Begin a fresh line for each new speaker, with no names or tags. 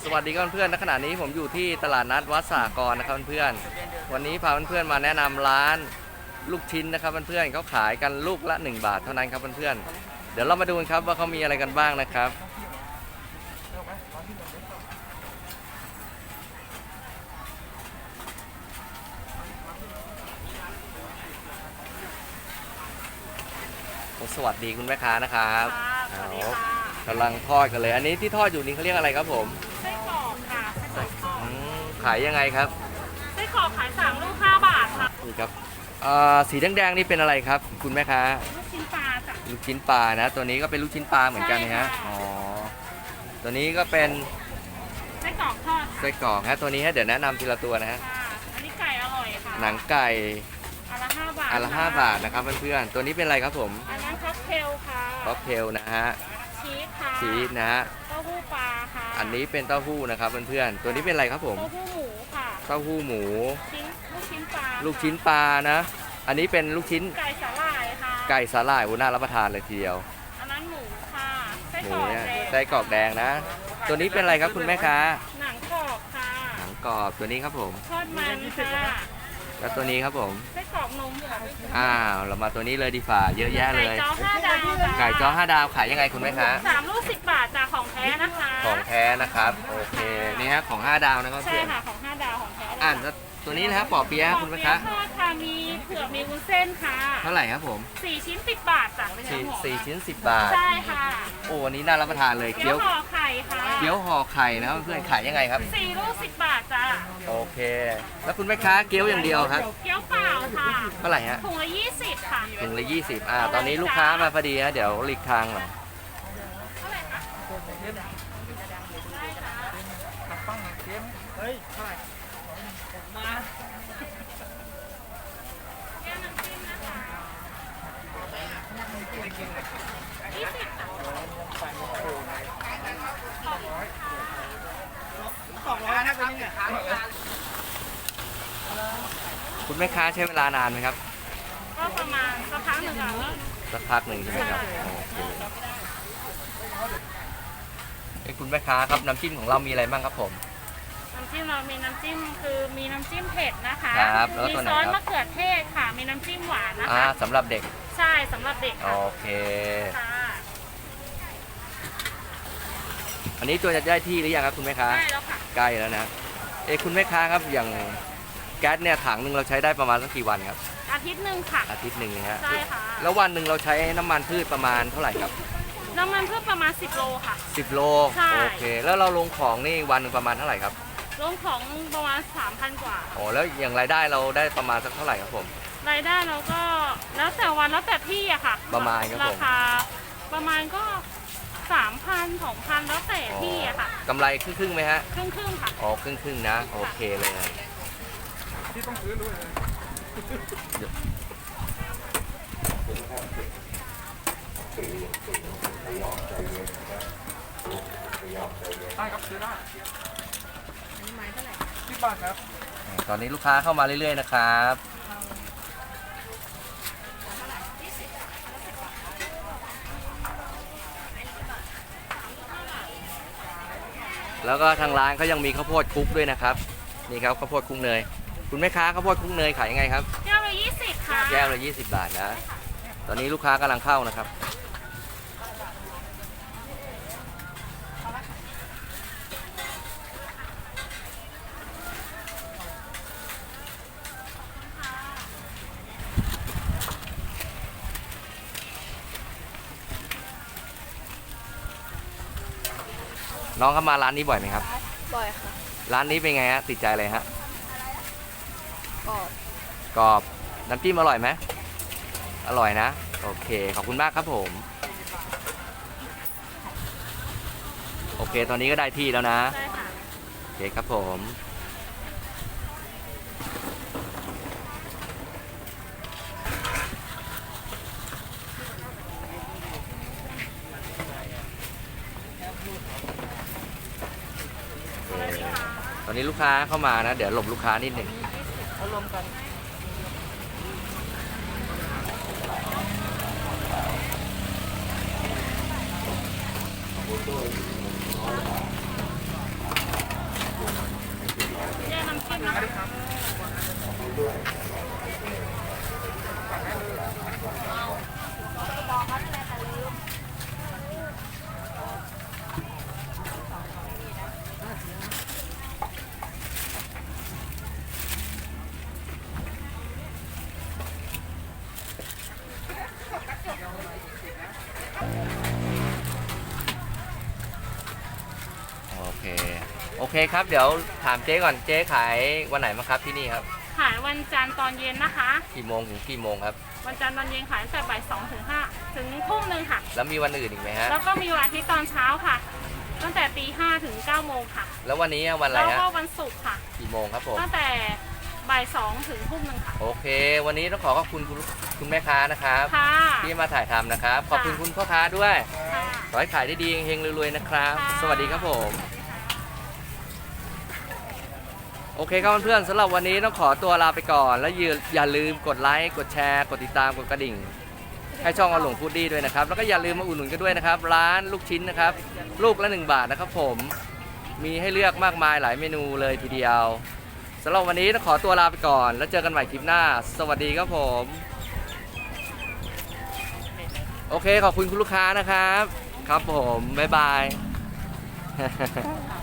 สวัสดีครับเพื่อนๆณขณะนี้ผมอยู่ที่ตลาดนัดวัดสากรนะครับเพื่อนๆวันนี้พาเพื่อนๆมาแนะนำร้านลูกชิ้นนะครับเพื่อนๆเขาขายกันลูกละ1 บาทเท่านั้นครับเพื่อนๆเดี๋ยวเรามาดูกันครับว่าเขามีอะไรกันบ้างนะครับสวัสดีคุณแม่ค้านะครับกำลังทอดกันเลยอันนี้ที่ทอดอยู่นี้เขาเรียกอะไรครับผม
ไส้กรอกค่ะไส้กรอกทอด
ขายยังไงครับ
ไส้กรอกขาย3 ลูก 5 บาทค่ะ
นี่ครับสีแดงๆนี่เป็นอะไรครับคุณแม่ค้า
ลูกชิ้นปลาจ้ะ
ลูกชิ้นปลานะตัวนี้ก็เป็นลูกชิ้นปลาเหมือนกันนะฮะอ๋อตัวนี้ก็เป็น
ไส้กรอกทอด
ไส้กรอกฮะตัวนี้ฮะเดี๋ยวแนะนำทีละตัวนะฮะ
อันนี้ไก่อร่อยค่ะ
หนังไก่
อันละ5 บาท
อันละ5 บาทนะครับเพื่อนๆตัวนี้เป็นอะไรครับผม
อันนั้นค็อกเทลค่ะ
ค็อกเทลนะฮะ
ชีสค่ะ
ชีสนะฮะ
เต้าหู้ปลาค่ะ
อันนี้เป็นเต้าหู้นะครับเพื่อนๆตัวนี้เป็นอะไรครับผม
เต้าหู้หมูค่ะ
เต้าหู้หมู
ลูกชิ้นปลา
ลูกชิ้นปลานะอันนี้เป็นลูกชิ้น
ไก่สาหร่ายค่ะ
ไก่สาหร่ายน่ารับประทานเลยทีเดียว
อันนั้นหมูค่ะไส้
หมู
กรอก
เนี่ย
แดง
ไส้กรอกแดงนะตัวนี้เป็นอะไรครับคุณแม่ค้า
หนังกรอบค่ะ
หนังกรอบตัวนี้ครับผม
ทอดมันค่ะ
แล้วตัวนี้ครับผม
ไส้กรอกนมค่ะ
เรามาตัวนี้เลยดีฝ่าเยอะแยะเลย
ไก่จ้อ5 ดาว
ไก่จ้อ5 ดาวขายยังไงคุณแม่ค้า
3 ลูก 10 บาทจากของแท้นะคะ
ของแท้นะครับโอเคนี่ฮะของ5 ดาวนะครับ
ใช่ค่ะของ5 ดาวของแท้
แล้วตัวนี้นะฮะปอเปี๊ยะคุณแม่ค้า
ทอดค่ะมีเผือกมีวุ้นเส้นค่ะ
เท่าไหร่ครับผม
4 ชิ้น 10 บาทจ้ะ
4 ชิ้น 10 บาท
ใช่ค่ะ
โอ้วันนี้น่ารับประทานเลย
เกี๊ยวห่อไข่ค่ะ
เกี๊ยวห่อไข่นะครับเพื่อนขายยังไงครับ
4 ลูก 10 บาทจ้ะ
โอเคแล้วคุณแม่ค้าเกี๊ยวอย่างเดียวครับ
เกี๊ยวเปล่าค่ะ
เท่าไหร่ฮะ
ถุงละ20ค่ะ
ถุงละ20ตอนนี้ลูกค้ามาพอดีฮะเดี๋ยวหลีกทางหน่อยคุณแม่ค้าใช้เวลานานไหมครับ
ก็ประมาณสักพักหนึ่งค่ะ
สักพักหนึ่งใช่ไหมครับโอเคคุณแม่ค้าครับน้ำจิ้มของเรามีอะไรบ้างครับผม
น้ำจิ้มเรามีน้ำจิ้มคือมีน้ำจิ้มเผ็ดนะคะ
มี
ซอสมะเขือเทศค่ะมีน้ำจิ้มหวานนะคะ
สำหรับเด็ก
ใช่สำหรับเด็ก
โอเคอันนี้ตัวจะได้ที่หรือยังครับคุณแม่ค้า
ใกล้แล้วค่ะ
ใกล้แล้วนะคุณแม่ค้าครับอย่างแก๊สเนี่ยถังหนึ่งเราใช้ได้ประมาณสักกี่วันครับ
อาทิตย์หนึ่งค่ะ
อาทิตย์หนึ่งนะฮะ
ใช่ค่ะ
แล้ววันหนึ่งเราใช้น้ำมันพืชประมาณเท่าไหร่ครับ
น้ำมันพืชประมาณ10 โลค่ะ
10 โลโอเคแล้วเราลงของนี่วันหนึ่งประมาณเท่าไหร่ครับ
ลงของประมาณ 3,000 กว่า
แล้วอย่างรายได้เราได้ประมาณสักเท่าไหร่ครับผม
รายได้เราก็แล้วแต่วันแล้วแต่ที่อะค่ะ
ประมาณครับผม
ราคาประมาณก็3,000 2,000แล้วแต่ที่อะค่ะ
กำไรครึ่งไหมฮะ
ครึ่งค่ะ
ครึ่งนะโอเคเลยที่ต้องซื้อด้วยได้ครับซื้อได้อันนี้ไม้เท่าไหร่10 บาทครับตอนนี้ลูกค้าเข้ามาเรื่อยๆนะครับแล้วก็ทางร้านเขายังมีข้าวโพดคลุกด้วยนะครับนี่ครับข้าวโพดคลุกเนยคุณแม่ค้าข้าวโพดคลุกเนยขายยังไงครับ
แก้วละ20ค่ะ
แก้วละ20 บาทนะตอนนี้ลูกค้ากำลังเข้านะครับน้องเข้ามาร้านนี้บ่อยไหมครับ
บ่อยค่ะ
ร้านนี้เป็นไงฮะติดใจเลยฮะ
กรอบ
น้ำจิ้มอร่อยไหมอร่อยนะโอเคขอบคุณมากครับผมโอเคตอนนี้ก็ได้ที่แล้วนะ
ใช่ค่ะ
โอเคครับผมตอนนี้ลูกค้าเข้ามานะเดี๋ยวหลบลูกค้านิดหนึ่ง
เอารวมกัน
เคโอเคครับเดี๋ยวถามเจ๊ก่อนเจ๊ขายวันไหนมาครับที่นี่ครับ
ขายวันจันทร์ตอนเย็นนะคะ
กี่โมงถึงกี่โมงครับ
วันจันทร์ตอนเย็นขายตั้งแต่บ่าย2 ถึง 5 ถึงทุ่มหนึ่งค่ะ
แล้วมีวันอื่นอีกไหมฮะ
แล้วก็มีวันอาทิตย์ตอนเช้าค่ะ ตั้งแต่ตี 5 ถึง 9 โมงค่ะ
แล้ววันนี้วันอะไร
แล้ว
ฮะ
ก็วันศุกร์ค่ะ
กี่โมงครับผม
ตั้งแต่บ่าย 2 ถึงทุ่มหนึ่งค่ะ
โอเค วันนี้ต้องขอบคุณคุณแม่ค้านะครับ
ค่ะ
ที่มาถ่ายทำนะครับขอบคุณคุณพ่อค้าด้วย
ค่ะ
ขอให้ขายได้ดีเฮงๆรวยๆนะครับ
ค่ะ
สวัสดีครับผม โอเคครับเพื่อนๆสำหรับวันนี้ต้องขอตัวลาไปก่อน แล้วอย่าลืมกดไลค์กดแชร์กดติดตามกดกระดิ่ง ให้ช่องอหลงฟูดดี้ด้วยนะครับแล้วก็อย่าลืมมาอุดหนุนกันด้วยนะครับร้านลูกชิ้นนะครับลูกละ1 บาทนะครับผมมีให้เลือกมากมายหลายเมนูเลยทีเดียวสำหรับวันนี้ต้องขอตัวลาไปก่อน แล้วเจอกันใหม่คลิปหน้า สวัสดีครับผมโอเคขอบคุณคุณลูกค้านะครับครับผมบ๊ายบาย